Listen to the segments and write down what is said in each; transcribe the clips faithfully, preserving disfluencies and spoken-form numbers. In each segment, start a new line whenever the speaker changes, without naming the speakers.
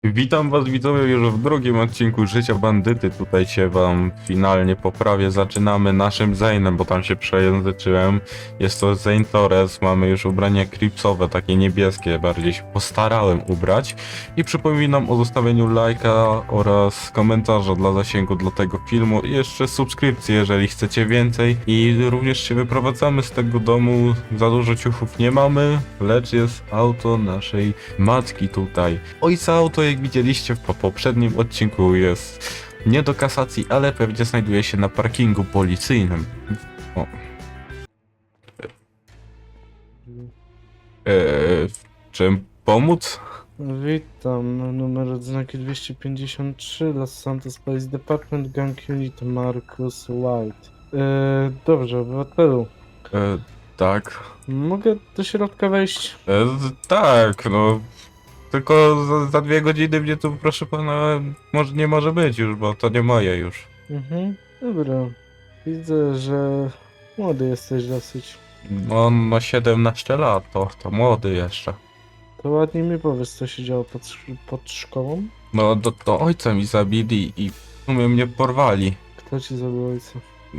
Witam was widzowie już w drugim odcinku Życia Bandyty. Tutaj się wam finalnie poprawię. Zaczynamy naszym Zainem, bo tam się przejęzyczyłem. Jest to Zain Torres, mamy już ubrania creepsowe, takie niebieskie, bardziej się postarałem ubrać. I przypominam o zostawieniu lajka oraz komentarza dla zasięgu dla tego filmu i jeszcze subskrypcji, jeżeli chcecie więcej. I również się wyprowadzamy z tego domu, za dużo ciuchów nie mamy, lecz jest auto naszej matki tutaj. Ojca auto, jak widzieliście w po poprzednim odcinku, jest nie do kasacji, ale pewnie znajduje się na parkingu policyjnym. O. Eee, w czym pomóc?
Witam, numer odznaki dwieście pięćdziesiąt trzy, Los Santos Police Department, Gang Unit, Marcus White. E, dobrze, obywatelu,
Eee, tak.
mogę do środka wejść?
Eee, tak, no. Tylko za, za dwie godziny mnie tu, proszę pana, może, nie może być już, bo to nie moje już.
Mhm, dobra. Widzę, że młody jesteś dosyć.
On ma siedemnaście lat, to, to młody jeszcze.
To ładnie mi powiedz, co się działo pod, sz- pod szkołą?
No, to, to ojca mi zabili i w sumie mnie porwali.
Kto ci zabił ojca?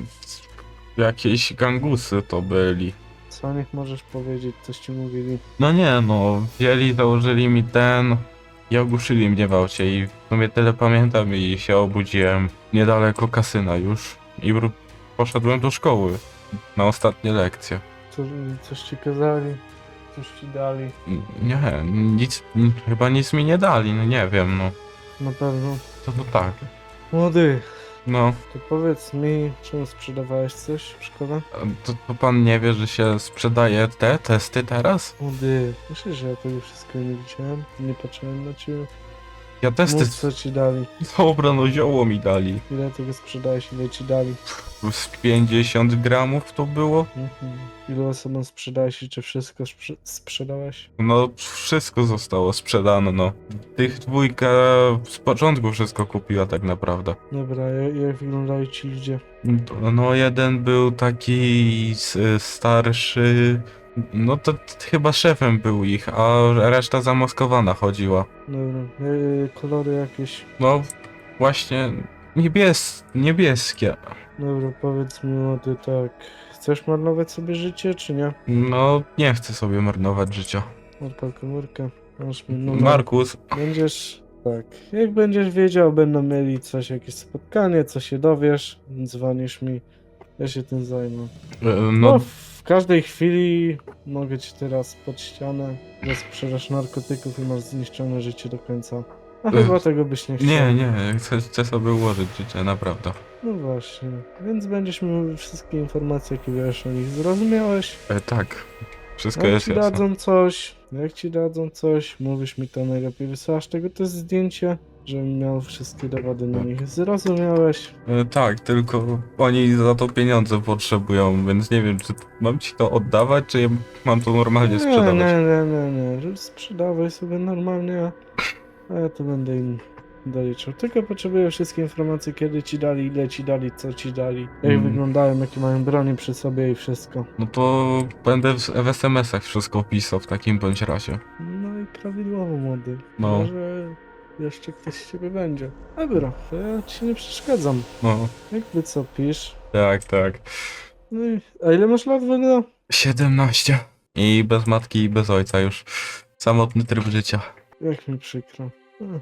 Jakieś gangusy to byli.
Co o nich możesz powiedzieć, coś ci mówili?
No nie no, wzięli, założyli mi ten i ogłuszyli mnie w aucie i w sumie tyle pamiętam i się obudziłem niedaleko kasyna już i wró- poszedłem do szkoły na ostatnie lekcje.
Co, coś ci kazali? Coś ci dali?
N- Nie, nic, n- chyba nic mi nie dali, no nie wiem, no.
Na pewno.
To to tak,
Młody,
no.
to powiedz mi, czemu sprzedawałeś coś w szkole?
A To, to pan nie wie, że się sprzedaje te testy teraz?
Młody, myślisz, że ja tego wszystkiego nie widziałem? Nie patrzyłem na ciebie?
Ja testy,
Mów, co ci dali?
dobra, no zioło mi dali.
Ile tego sprzedałeś, ile ci dali?
Z pięćdziesiąt gramów to było?
Mhm. Ilu osobom sprzedałeś i czy wszystko sprze- sprzedałeś?
No, wszystko zostało sprzedane, no. Tych dwójka z początku wszystko kupiła tak naprawdę.
Dobra, jak, jak wyglądają ci ludzie?
No, jeden był taki s- starszy, no to, to chyba szefem był ich, a reszta zamaskowana chodziła.
Dobra, yy, kolory jakieś?
No, właśnie niebies niebieskie.
Dobra, powiedz mi, młody, tak. Chcesz marnować sobie życie, czy nie?
No, nie chcę sobie marnować życia.
Odpal komórkę. Masz mi numer.
Markus,
Będziesz, tak, jak będziesz wiedział, będą mieli coś, jakieś spotkanie, co się dowiesz, dzwonisz mi, ja się tym zajmę.
e,
No,
no,
w każdej chwili mogę ci teraz pod ścianę, że sprzedaż narkotyków i masz zniszczone życie do końca. A
Ech,
chyba tego byś nie chciał.
nie, nie, chcę, chcę sobie ułożyć życie, naprawdę.
No właśnie, więc będziesz miał wszystkie informacje, jakie wiesz o nich. Zrozumiałeś?
E, tak, wszystko
Jak
jest
ci
jasne.
dadzą coś, jak ci dadzą coś, mówisz mi to najlepiej, wysyłasz tego też zdjęcie, żebym miał wszystkie dowody na nich. Zrozumiałeś?
E, tak, tylko oni za to pieniądze potrzebują, więc nie wiem, czy mam ci to oddawać, czy mam to normalnie
Nie,
sprzedawać.
nie, nie, nie, nie, że sprzedawaj sobie normalnie, a ja to będę im doliczał. Tylko potrzebuję wszystkie informacje, kiedy ci dali, ile ci dali, co ci dali, jak
Mm.
wyglądają, jakie mają broni przy sobie i wszystko.
No to będę w, w es em esach wszystko pisał w takim bądź razie.
No i prawidłowo, młody.
No.
Może jeszcze ktoś z ciebie będzie. Dobra, to ja ci nie przeszkadzam.
No,
Jakby co pisz.
tak, tak.
No i, a ile masz lat w ogóle?
siedemnaście. I bez matki i bez ojca już. Samotny tryb życia.
Jak mi przykro. Ech,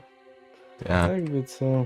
Ja,
jakby co.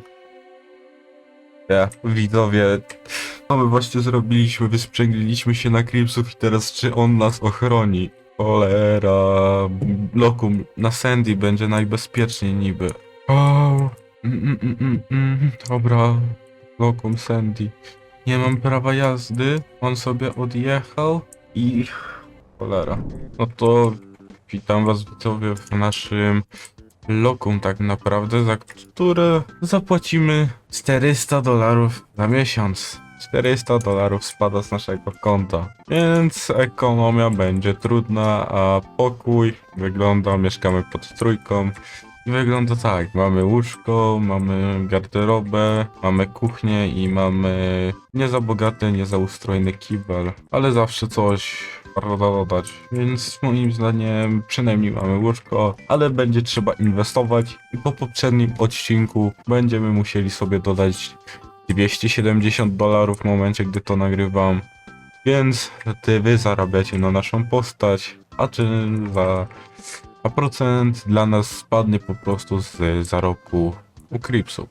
ja, widzowie. Co my właśnie zrobiliśmy? Wysprzęgliliśmy się na Cripsów i teraz czy on nas ochroni? Cholera. Lokum, na Sandy będzie najbezpieczniej niby. O, mm, mm, mm, mm, mm. Dobra. Lokum, Sandy. Nie mam prawa jazdy. On sobie odjechał i... Cholera. No to witam was widzowie w naszym lokum tak naprawdę, za które zapłacimy czterysta dolarów na miesiąc. czterysta dolarów spada z naszego konta, więc ekonomia będzie trudna, a pokój wygląda, mieszkamy pod trójką. I wygląda tak, mamy łóżko, mamy garderobę, mamy kuchnię i mamy nie za bogaty, nie za ustrojny kibel, ale zawsze coś warto dodać. Więc moim zdaniem przynajmniej mamy łóżko, ale będzie trzeba inwestować i po poprzednim odcinku będziemy musieli sobie dodać dwieście siedemdziesiąt dolarów w momencie, gdy to nagrywam. Więc ty wy zarabiacie na naszą postać, a czy za a procent dla nas spadnie po prostu z zarobku u Cripsu.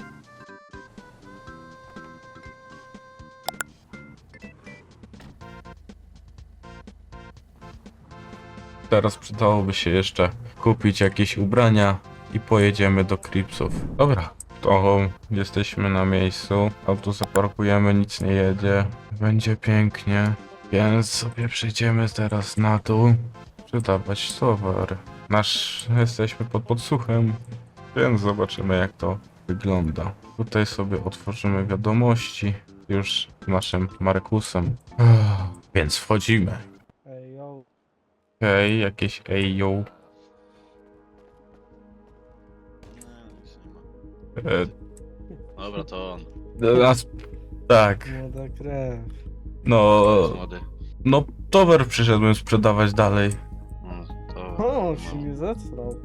Teraz przydałoby się jeszcze kupić jakieś ubrania i pojedziemy do Cripsów. Dobra, to jesteśmy na miejscu. Auto zaparkujemy, nic nie jedzie. Będzie pięknie. Więc sobie przejdziemy teraz na dół. Sprzedawać towar. Nasz jesteśmy pod podsłuchem, więc zobaczymy jak to wygląda. Tutaj sobie otworzymy wiadomości już z naszym Markusem. Więc wchodzimy.
Ej, yo.
Okej, jakieś ej yo.
Nie, nic nie ma.
E,
Dobra, to on.
nas, tak,
Młoda krew.
no,
Jest młody.
no towar przyszedłem sprzedawać dalej.
No, to...
O, się
no.
mnie zesrał.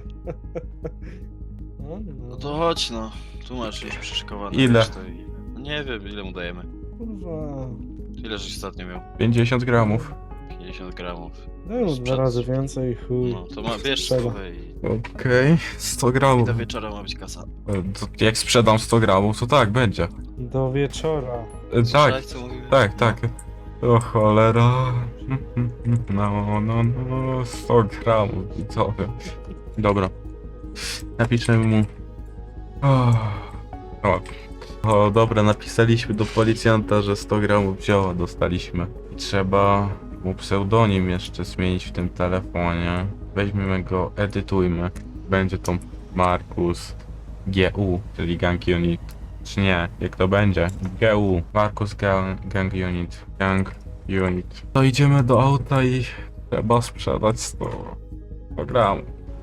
No,
no
no.
to chodź no. Tu masz już przyszykowany.
Ile?
wiesz, to i- No nie wiem, ile mu dajemy.
Kurwa.
Ile żeś ostatnio miał?
pięćdziesiąt gramów.
pięćdziesiąt gramów.
Daj mu dwa
Sprzed-
razy więcej, chuj.
No, to ma, bierz
Sprzeda.
stówę i...
Okej, sto
I
gramów.
do wieczora ma być kasa.
E, to jak sprzedam sto gramów, to tak, będzie.
Do wieczora.
E, tak,
Słyszałeś, co mówiłem?
tak, tak. O cholera. No, no, no, sto gramów i co? Dobra. Napiszemy mu. O, o. o, dobra, napisaliśmy do policjanta, że sto gramów zioła dostaliśmy. I trzeba mu pseudonim jeszcze zmienić w tym telefonie. Weźmiemy go, edytujmy. Będzie to Markus G U, czyli Gang Unit. Czy nie, jak to będzie? G U, Markus Gang, Gang Unit, Gang Unit. To idziemy do auta i trzeba sprzedać sto gramów.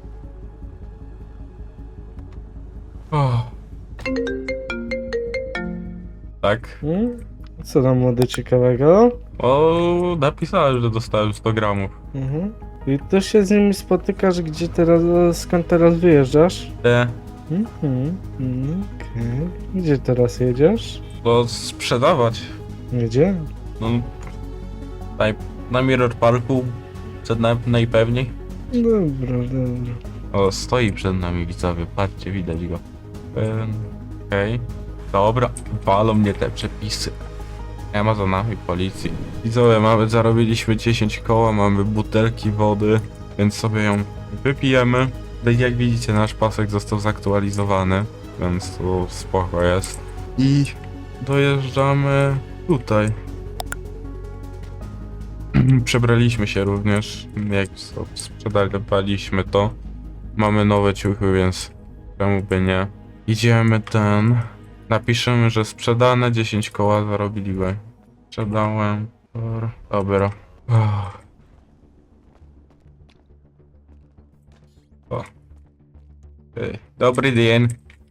Oh. Tak?
Hmm? Co tam młody ciekawego?
O, napisałem, że dostałem sto gramów.
Mhm. I ty się z nimi spotykasz, gdzie teraz, skąd teraz wyjeżdżasz?
E,
Mhm. Mm, okej. Gdzie teraz jedziesz?
to sprzedawać.
Gdzie?
No, na, na Mirror Parku przed nami najpewniej.
Dobra, dobra.
O, stoi przed nami widzowie, patrzcie, widać go. Ym, Okej, dobra, walą mnie te przepisy. Nie ma za nami policji. Widzowie, mamy, zarobiliśmy dziesięć koła, mamy butelki wody, więc sobie ją wypijemy. No i jak widzicie, nasz pasek został zaktualizowany, więc tu spoko jest. I dojeżdżamy tutaj. Przebraliśmy się również, jak sprzedawaliśmy to. Mamy nowe ciuchy, więc czemu by nie. Idziemy ten. Napiszemy, że sprzedane dziesięć koła zarobiliśmy. Sprzedałem. Dobra. Oh. O. Ej, dobry dzień.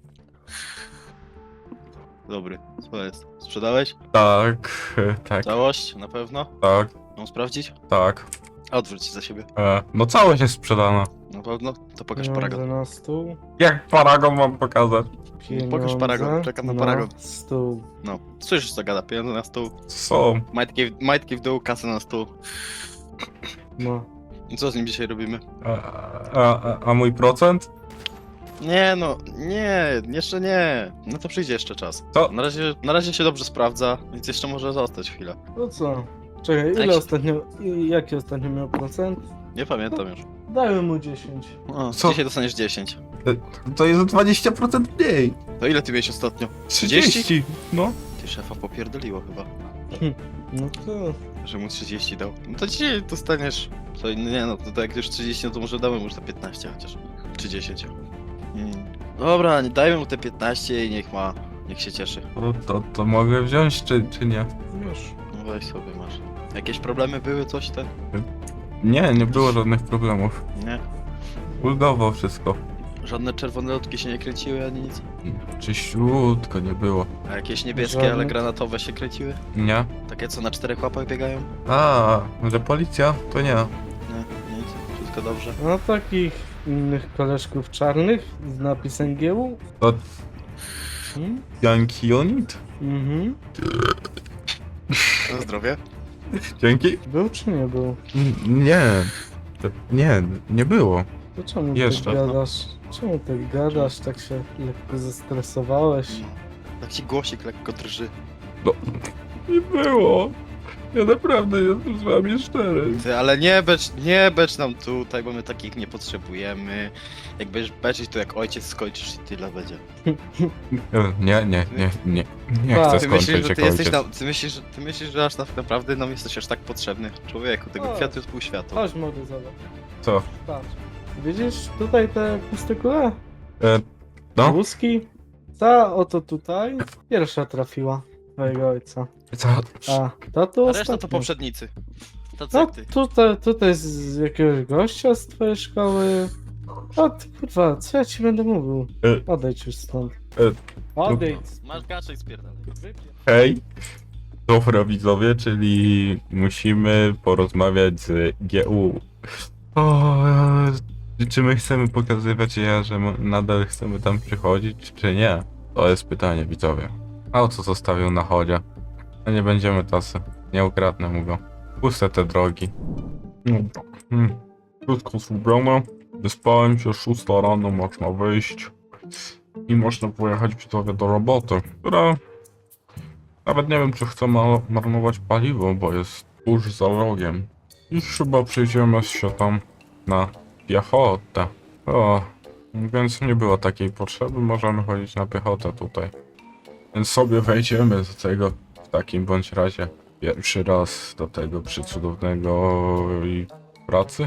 Dobry, co jest? Sprzedałeś?
Tak, tak,
Całość? Na pewno?
tak,
Mam sprawdzić?
tak.
Odwróć się za siebie.
E, no całość jest sprzedana.
Na pewno? To pokaż
Pieniądze
paragon.
na stół.
Jak paragon mam pokazać?
Pieniądze
paragon, czekam na paragon.
stół.
No, słyszysz co gada? Pieniądze na stół.
Co?
Majtki, w- majtki w dół, kasę na stół.
No.
I co z nim dzisiaj robimy?
A, a, a mój procent?
Nie no, nie, jeszcze nie. No to przyjdzie jeszcze czas.
Co?
Na razie, na razie się dobrze sprawdza, więc jeszcze może zostać chwilę.
No co? Czekaj, ile
Jak się-
ostatnio, i- jaki ostatnio miał procent?
Nie pamiętam już.
Dajmy mu dziesięć.
O,
Co?
dzisiaj dostaniesz dziesięć.
To jest o dwadzieścia procent mniej.
To ile ty miałeś ostatnio?
trzydzieści? No.
Ty szefa popierdoliło chyba,
No to...
że mu trzydzieści dał. No to dzisiaj dostaniesz... To nie no, to, to jak już trzydzieści, no to może damy mu już te piętnaście chociaż. Czy dziesięć. Mm. Dobra, nie dajmy mu te piętnaście i niech ma... Niech się cieszy.
To, to, to mogę wziąć, czy, czy nie?
Wiesz.
No weź sobie, masz. Jakieś problemy były, coś ten?
Nie, nie było żadnych problemów.
Nie?
Ulgowo wszystko.
Żadne czerwone lotki się nie kręciły ani nic.
Czyściutko nie było.
A jakieś niebieskie, ale
Żadnych?
granatowe się kręciły?
Nie?
Takie co na czterech łapach biegają?
A, że policja? To nie.
Nie, nic. Wszystko dobrze.
No takich innych koleżków czarnych z napisem G U.
To
Hmm?
Yankee Unit?
Mhm.
Na zdrowie.
Dzięki?
Był czy nie był?
N- Nie. To, nie, nie było.
To czemu
Jeszcze,
tak
no.
gadasz? Czemu tak gadasz? Tak się lekko zestresowałeś?
Tak ci głosik lekko drży.
No, nie było. Ja naprawdę jestem z wami szczery.
Ty, ale nie becz, nie becz nam tutaj, bo my takich nie potrzebujemy. Jak będziesz beczyć, to jak ojciec skończysz i tyle będzie.
Nie, nie, nie, nie. Nie
Tak.
chcę
Ty myślisz,
skończyć
że ty
jak
jesteś
ojciec.
nam, ty myślisz, ty myślisz, że aż tak naprawdę nam jesteś aż tak potrzebny? Człowieku, tego
O.
kwiatu jest pół świata.
Chodź młody, zobacz.
Co?
Patrz. Widzisz tutaj te puste kule?
E, no?
Łuski? Ta oto tutaj pierwsza trafiła twojego ojca.
Co?
A ta tu
A reszta to
ostatnia.
poprzednicy. Tacy
No
jak ty.
tutaj, tutaj z jakiegoś gościa z twojej szkoły. O ty kurwa, co ja ci będę mówił?
E,
Odejdź już stąd.
e,
Odejdź.
Masz gaczek spierdalaj.
Hej. Dobra widzowie, czyli musimy porozmawiać z G U. O, e, czy my chcemy pokazywać ja, że mo- nadal chcemy tam przychodzić, czy nie? To jest pytanie widzowie. A o co zostawił na chodzie? No nie będziemy tacy. Nie ukradnę mu go. Puste te drogi. No, hmm. Wszystko zrobione. Wyspałem się, szósta rano można wyjść. I można pojechać widzowie do roboty, która... Nawet nie wiem, czy chcę ma- marnować paliwo, bo jest tuż za rogiem. I chyba przejdziemy się tam na piechotę. O, więc nie było takiej potrzeby, możemy chodzić na piechotę tutaj. Więc sobie wejdziemy do tego w takim bądź razie pierwszy raz do tego przycudownego i pracy.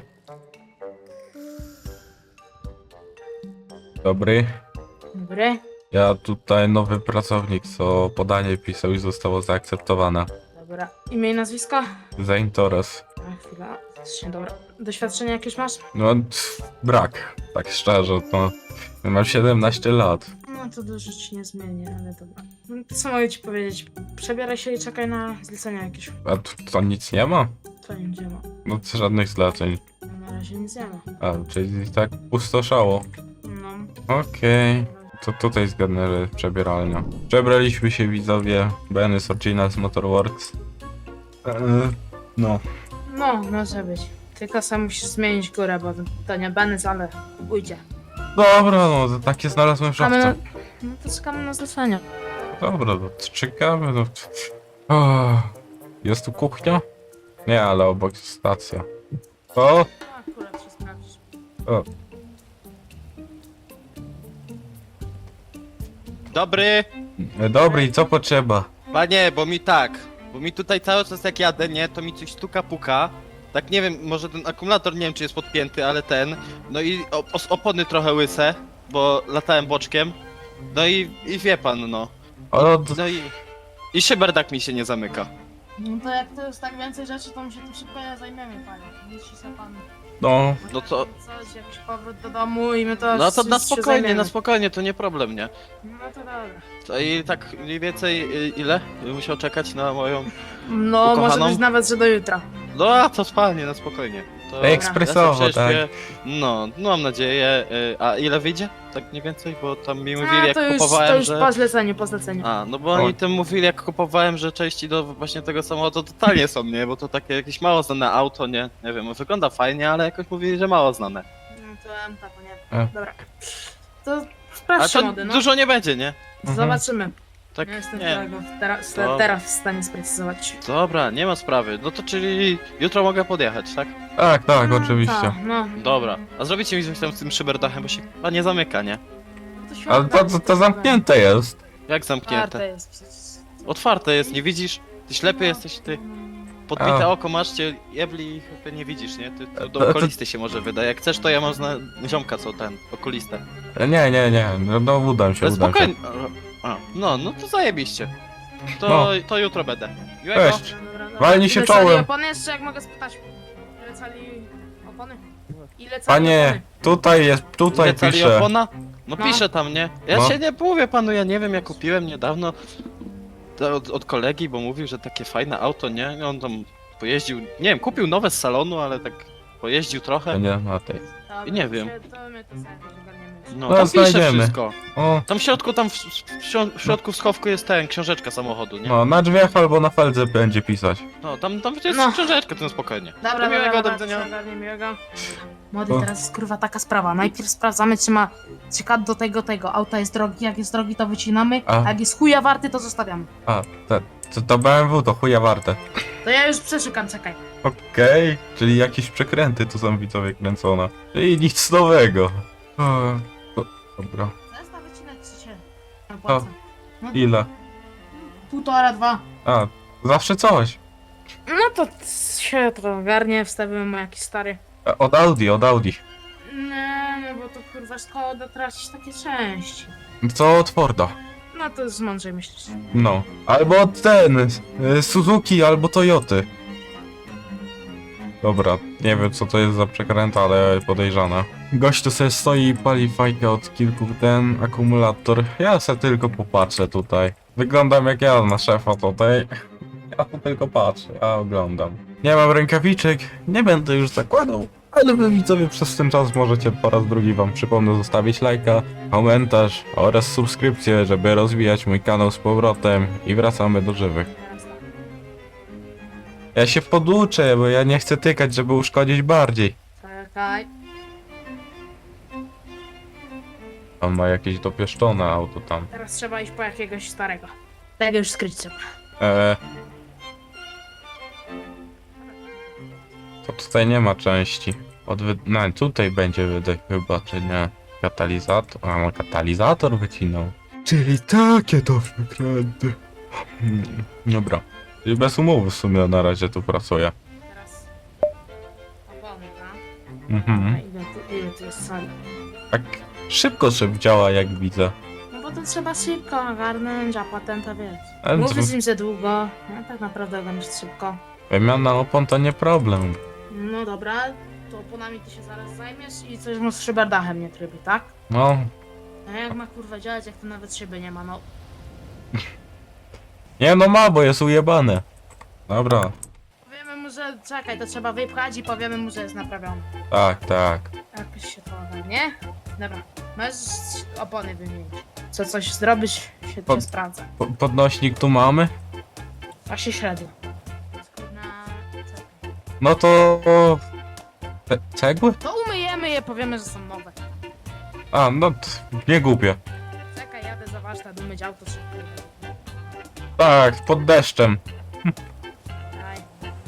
Dobry.
Dobry.
Ja tutaj nowy pracownik, co podanie pisał i zostało zaakceptowane.
Dobra. Imię i nazwisko?
Zainteres.
A, chwila. Faktycznie, dobra. Doświadczenie jakieś masz?
No, tf, brak, tak szczerze, to mam siedemnaście lat.
No to dużo ci nie zmieni, ale dobra. No, to co mogę ci powiedzieć? Przebieraj się i czekaj na zlecenia jakieś.
A tu to nic nie ma?
To nie działa.
No, to żadnych zleceń.
No, na razie nic nie ma.
A, czyli tak pustoszało.
No.
Okej. To tutaj jest generalnie przebieralnia. Przebraliśmy się widzowie, Benny z Originals Motorworks. Eee, no.
No, może być. Tylko sam musisz zmienić górę, bo to nie Benz, ale ujdzie.
Dobra, no, to takie znalazłem w
Czekamy na...
szafce.
No to czekamy na zlecenia.
Dobra, no to czekamy, no. O, jest tu kuchnia? Nie, ale obok jest stacja. O,
No, akurat się sprawdzisz.
o,
Dobry!
dobry, i co potrzeba?
Panie, bo mi tak, bo mi tutaj cały czas jak jadę, nie, to mi coś stuka puka. Tak nie wiem, może ten akumulator nie wiem czy jest podpięty, ale ten. No i op os- opony trochę łyse, bo latałem boczkiem. No i, i wie pan, no.
O, to,
No i... I szyberdak mi się nie zamyka.
No to jak to jest tak więcej rzeczy, to my się tym szybko nie zajmiemy, panie. Myśli sobie pan...
no,
No to...
Coś, jakiś powrót do domu i my to
No to na
się
spokojnie,
zajmiemy.
na spokojnie, to nie problem, nie?
No to dobra.
To i tak mniej więcej y, ile? Musiał czekać na moją...
No,
Ukochaną?
może być nawet, że do jutra.
No a to spalnie, na spokojnie. To
ekspresowo,
ja sobie
tak.
prześpię. No, no mam nadzieję. y, A ile wyjdzie? Tak mniej więcej, bo tam mi mówili
A,
jak
to już,
kupowałem,
to już
że...
po zleceniu, po zleceniu.
A, no bo
O.
oni tym mówili jak kupowałem, że części do właśnie tego samochodu totalnie są, nie? Bo to takie jakieś mało znane auto, nie? Nie wiem, wygląda fajnie, ale jakoś mówili, że mało znane.
No to M T, to nie.
E.
Dobra. To
A
sprawdź
to
mody, no.
dużo nie będzie, nie?
Mhm.
Zobaczymy.
Tak,
Ja jestem
nie.
tego teraz,
Dobra.
teraz w stanie sprecyzować.
Dobra, nie ma sprawy. No to czyli jutro mogę podjechać, tak?
tak, tak,
No,
oczywiście.
tak, no.
Dobra. A zrobicie mi coś tam z tym szyberdachem, bo się chyba nie zamyka, nie?
To
Ale to, to, to zamknięte jest.
Jak
Otwarte
zamknięte?
jest przecież.
Otwarte jest, nie widzisz? Ty ślepy
No.
jesteś, ty. Podbite
A.
oko masz, cię jebli i chyba nie widzisz, nie? Ty to
To-
do
to-
okulisty się może wyda. Jak chcesz, to ja mam zna... ziomka, co ten, okulistę.
Nie, nie, nie, no, no udam się,
Ale
udam się.
spokojnie. A, no, no to zajebiście. To,
No.
to jutro będę. Miłego.
Cześć.
Dobra, dobra, dobra.
Walnij się
Ile cali
czołem.
opony jeszcze, jak mogę spytać? Ile cali opony? Ile cali
Panie,
opony?
tutaj jest, tutaj
Nie cali
pisze.
opona? No,
No.
pisze tam, nie? Ja
No.
się nie mówię panu, ja nie wiem, ja kupiłem niedawno to od, od kolegi, bo mówił, że takie fajne auto, nie? On tam pojeździł, nie wiem, kupił nowe z salonu, ale tak pojeździł
To
trochę.
nie ma tej.
Dobra,
nie
to
wiem.
się- To my to sobie jakoś ogarniemy.
No,
No,
tam pisze
znajdziemy.
wszystko.
O,
Tam w środku, tam w, w, w środku w schowku jest ten, książeczka samochodu, nie?
no, na drzwiach albo na feldze będzie pisać.
No, tam, tam jest
No.
książeczka, to spokojnie.
Dobra,
Do
dobra,
miłego,
dobra,
do
to
widzenia.
się ogarnie miłego. Młody,
O.
teraz jest kurwa taka sprawa. Najpierw sprawdzamy, czy ma czy kat do tego, tego. Auta jest drogi, jak jest drogi, to wycinamy,
A.
a jak jest chuja warty, to zostawiamy.
A, te, to, to B M W to chuja warte.
To ja już przeszukam, czekaj.
Okej, czyli jakieś przekręty tu są widzowie kręcone. Czyli nic nowego. O, o, dobra.
Zestaw wycinać czy się opłaca?
Ile?
Półtora, dwa.
A, zawsze coś.
No to się to ogarnie, wstawimy mu jakiś stary.
E, Od Audi, od Audi.
Nie, no bo to kurwa szkoda tracić takie części.
Co od Forda?
No to już mądrzej myślisz.
No. Albo od ten, y, Suzuki albo Toyoty. Dobra, nie wiem co to jest za przekręta, ale podejrzane. Gość tu sobie stoi i pali fajkę od kilku ten akumulator. Ja se tylko popatrzę tutaj. Wyglądam jak ja na szefa tutaj. Ja tu tylko patrzę, ja oglądam. Nie mam rękawiczek, nie będę już zakładał. Ale wy widzowie przez ten czas możecie po raz drugi wam przypomnę zostawić lajka, komentarz oraz subskrypcję, żeby rozwijać mój kanał z powrotem i wracamy do żywych. Ja się poduczę, bo ja nie chcę tykać, żeby uszkodzić bardziej.
Czekaj.
On ma jakieś dopieszczone auto tam.
Teraz trzeba iść po jakiegoś starego. Tego już skryć trzeba.
Eee. To tutaj nie ma części. Od wy... No, tutaj będzie wydech chyba, czy nie? Katalizator? A, no katalizator wycinał. Czyli takie to wykręty. Hmm, dobra. I bez umowy w sumie na razie tu pracuję.
Teraz opony, tak?
Mhm.
A ile tu, ile tu jest soli?
Tak szybko szyb działa, jak widzę.
No bo to trzeba szybko ogarnąć, a potem to wiesz.
Ale
Mówię
co-
z nim za długo, no tak naprawdę ogarniesz szybko.
Wymiana opon to nie problem.
No dobra, to oponami ty się zaraz zajmiesz i coś mu z szyberdachem nie trybi, tak?
No,
A jak ma kurwa działać, jak to nawet szyby nie ma, no.
nie no ma, bo jest ujebane. Dobra,
Powiemy mu, że czekaj, to trzeba wypchać i powiemy mu, że jest naprawiony.
tak, tak.
Jakoś się to ogarnie. Dobra, możesz opony wymienić. Co coś zrobić, się
Po-
cię sprawdza.
Po- podnośnik tu mamy?
A się średnio. Na... czekaj.
No to... Ce- cegły?
To umyjemy je, powiemy, że są nowe.
A, no t- nie głupie.
Czekaj, jadę za warsztat, umyć auto szybko.
Tak, pod deszczem.
Daj.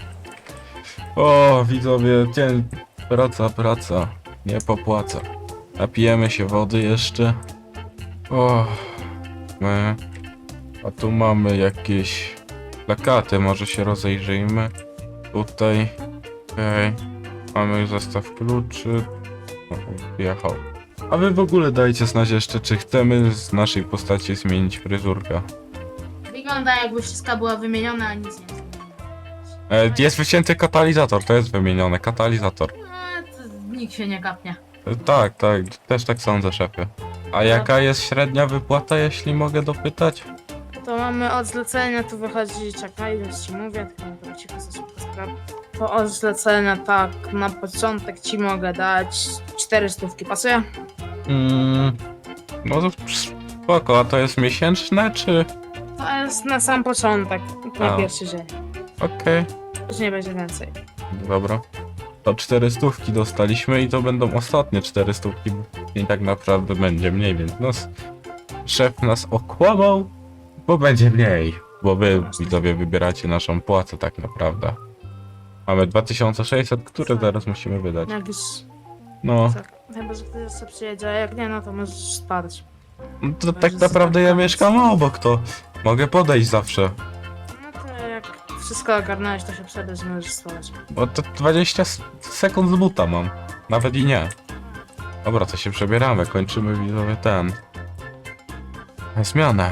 O, widzowie, dzień... Praca, praca. Nie popłaca. Napijemy się wody jeszcze. O, my... A tu mamy jakieś plakaty, może się rozejrzyjmy. Tutaj. Okej. Mamy zestaw kluczy. O, wjechał. A wy w ogóle dajcie znać jeszcze, czy chcemy z naszej postaci zmienić fryzurkę.
Wygląda jakby wszystko było wymienione, a nic nie jest wymienione.
E, jest wycięty katalizator, to jest wymienione, katalizator.
No, to nikt się nie kapnie.
E, tak, tak, też tak sądzę, szefie. A jaka jest średnia wypłata, jeśli mogę dopytać?
To mamy od zlecenia, tu wychodzi, czekaj, już ci mówię, tylko dobra, cicho za szybko spraw. To od zlecenia tak, na początek ci mogę dać cztery stówki, pasuje?
Mm, no to spoko, a to jest miesięczne, czy...
To jest na sam początek, na
A.
pierwszy dzień.
Okej,
Później będzie więcej.
dobra. To cztery stówki dostaliśmy i to będą ostatnie cztery stówki, bo i tak naprawdę będzie mniej, więc no, s- szef nas okłamał, bo będzie mniej, bo wy widzowie wybieracie naszą płacę tak naprawdę. Mamy dwa tysiące sześćset, które zaraz musimy wydać.
Jak już,
No,
tak, chyba, że ktoś jeszcze przyjedzie, a jak nie, no to możesz spadać.
no to tak naprawdę ja mieszkam obok, to mogę podejść zawsze.
No to jak wszystko ogarnąłeś, to się przebierz, możesz spać.
Bo to dwadzieścia s- sekund z buta mam. Nawet i nie. Dobra, to się przebieramy. Kończymy widzowie ten. Zmianę.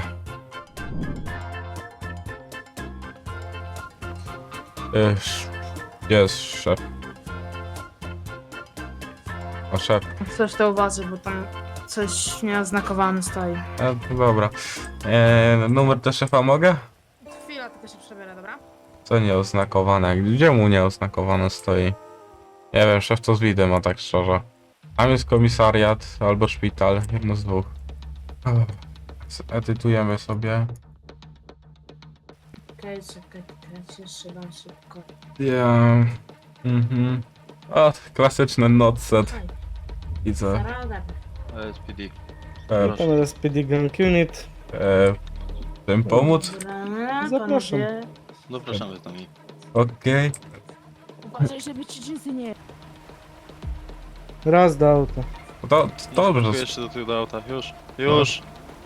Yy, sz- Gdzie jest szef? O, szef.
Jak Coś to uważaj, bo tam coś nieoznakowane stoi.
E, no dobra. E, numer do szefa mogę?
Chwila, tylko się przebiorę, dobra?
Co nieoznakowane? Gdzie mu nieoznakowane stoi? Nie wiem, szef to z widem, a tak szczerze. Tam jest komisariat albo szpital, jedno z dwóch. Edytujemy sobie.
Okej, czekaj, czekaj, jeszcze dam szybko.
Ja. Mhm. O, klasyczny notset.
Oj,
Widzę.
zaraz
S P D.
E,
Tam S P D Gang Unit.
e, tym pomóc?
Dobra,
Zapraszam.
panowie.
Zapraszamy z nami.
Okej.
Uważaj, żeby ci dżinsy nie...
Raz do auta.
To, to dobrze.
Tu jeszcze do tyłu do auta. Już. Już.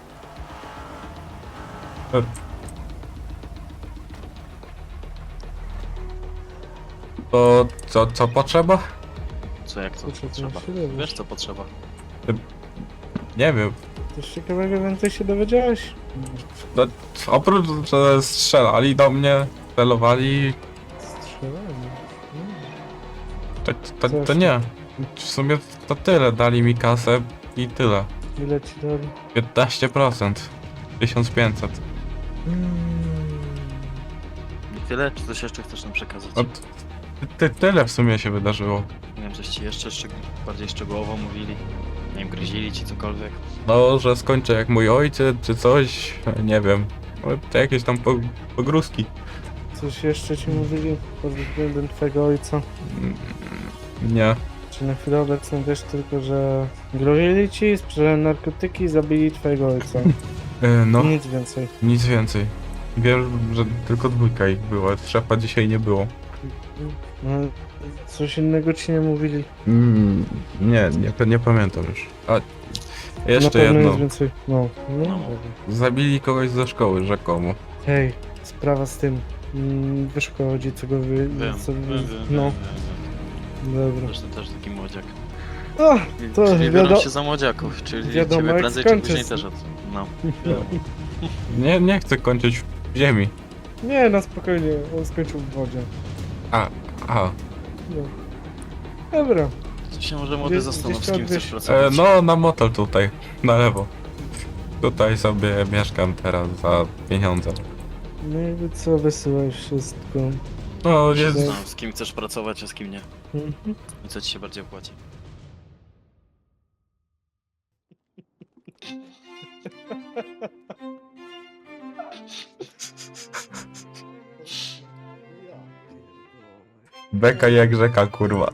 To co, co potrzeba?
Co jak co
Co, co
potrzeba?
się dowiesz?
Wiesz co potrzeba.
Nie wiem.
Coś ciekawego więcej się dowiedziałeś?
To, oprócz, że strzelali do mnie, celowali,
Strzelanie.
to, to, to nie. W sumie to tyle. Dali mi kasę i tyle.
Ile ci dali?
piętnaście procent. tysiąc pięćset.
Mm.
I tyle? Czy coś jeszcze chcesz nam przekazać?
No, t- ty, tyle w sumie się wydarzyło.
Nie wiem, coś ci jeszcze szczeg bardziej szczegółowo mówili? Nie wiem, grozili ci cokolwiek?
No, że skończę jak mój ojciec, czy coś, nie wiem. No, to jakieś tam po, pogrózki.
Coś jeszcze ci mówili pod względem twojego ojca?
Mm, Nie.
Czy na chwilę obecną wiesz tylko, że grozili ci, sprzedali narkotyki i zabili twojego ojca?
E, No,
Nic więcej.
nic więcej. Wiem, że tylko dwójka ich było, szefa dzisiaj nie było.
No, coś innego ci nie mówili.
Mm, nie, nie, nie pamiętam już. A,
Na
jeszcze
pewno
jedno.
nic więcej. No, no.
No.
dobra.
Zabili kogoś ze szkoły, rzekomo.
Hej, sprawa z tym. Mm, wiesz o co chodzi, co go wy...
Wiem,
co
wiem,
wy...
wiem,
No,
wiem, wiem.
dobra.
Zresztą też taki młodziak.
O, to
czyli biorą
wiadomo-
się za młodziaków, czyli
wiadomo,
ciebie
jak
prędzej czy
skończysz.
później też od... No.
Nie, nie chcę kończyć w ziemi.
nie, na spokojnie, on skończył w wodzie.
A, a.
No. Dobra,
To się może młody
Gdzieś-
zastanów, z
gdzieś
kim
to
chcesz
odwiesz-
pracować.
E, no, na motel tutaj, na lewo. Tutaj sobie mieszkam teraz za pieniądze.
no jakby co, wysyłaj wszystko.
No, jest...
No, z kim chcesz pracować, a z kim nie.
Mhm.
I co ci się bardziej opłaci.
Beka jak rzeka, kurwa.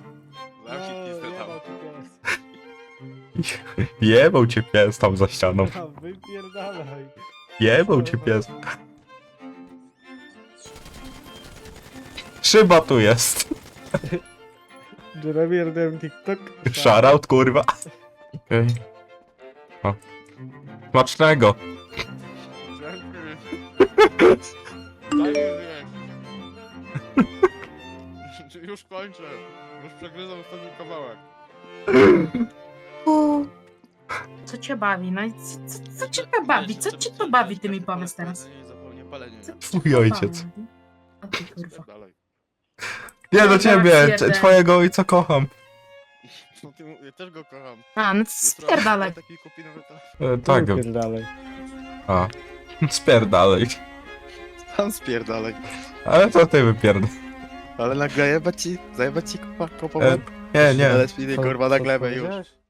Jebał cię pies tam za ścianą.
A, wypierdalaj.
Jebał cię pies. Szyba tu jest.
Jeremy TikTok.
Shoutout, kurwa. Okej. O. Smacznego.
Daj mi zjeść. Już kończę. Już przegryzam ostatni kawałek.
Co cię bawi? No i co, co, co cię to bawi? Co cię to bawi, ty mi powiedz teraz?
Zapomnę palenie.
Co cię
Twój
to
ojciec.
bawi? A ty kurwa.
Dalej.
Nie do
Dobra,
ciebie,
jeden.
c- twojego ojca kocham.
No ty, ja też go kocham.
A, no to spierdalaj.
Taki kupi nowy telefon.
E, tak,
Wypierdalaj.
a. Spierdalej.
Tam spierdalaj.
Ale to ty wypierd...
Ale nagle jebać ci, zajebać ci kopa, kopa.
E, nie, nie.
Ale spiny kurwa na glebę już.
powiedziałeś?